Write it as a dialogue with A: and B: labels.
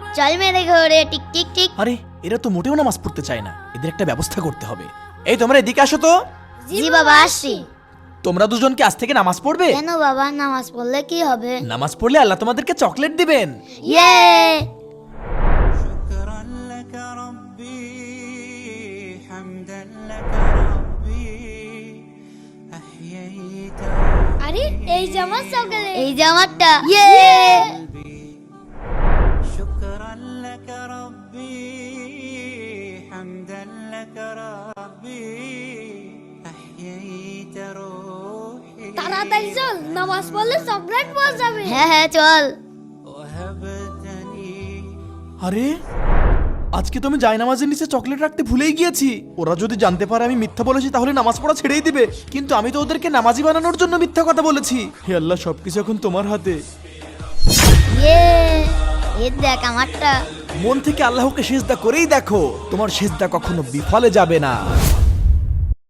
A: চল মেরে ঘরে টিক টিক টিক।
B: আরে এরা তো মোটেও নামাজ পড়তে চায় না, এদের একটা ব্যবস্থা করতে হবে। এই তোমরা এদিকে আসো তো।
A: জি বাবা আসছি।
B: তোমরা দুজন কি আজ থেকে নামাজ পড়বে?
A: কেন বাবা, নামাজ পড়লে কি হবে?
B: নামাজ পড়লে আল্লাহ তোমাদেরকে চকলেট দিবেন।
A: ইয়ে।
C: شكرا لك ربي حمدا لك ربي أحييت
D: আরে এই যে আমার চকলেট।
A: এই যে আমারটা। ইয়ে।
C: قلبي شكرا لك ربي حمدا لك ربي أحييت روحي
D: তাড়াতাড়ি চল, নামাজ পড়লে চকলেট পাওয়া যাবে।
A: হ্যাঁ হ্যাঁ চল।
C: وهبتني
B: আরে আজকে তো আমি জায়নামাজের নিচে চকলেট রাখতে ভুলেই গিয়েছি। ওরা যদি জানতে পারে আমি মিথ্যা বলেছি তাহলে নামাজ পড়া ছেড়েই দিবে, কিন্তু আমি তো ওদেরকে নামাজি বানানোর জন্য মিথ্যা কথা বলেছি। হে আল্লাহ, সবকিছু এখন তোমার হাতে।
A: ইয়ে। এই দেখ আমারটা।
B: মন থেকে আল্লাহকে সিজদা করেই দেখো, তোমার সিজদা কখনো বিফলে যাবে না।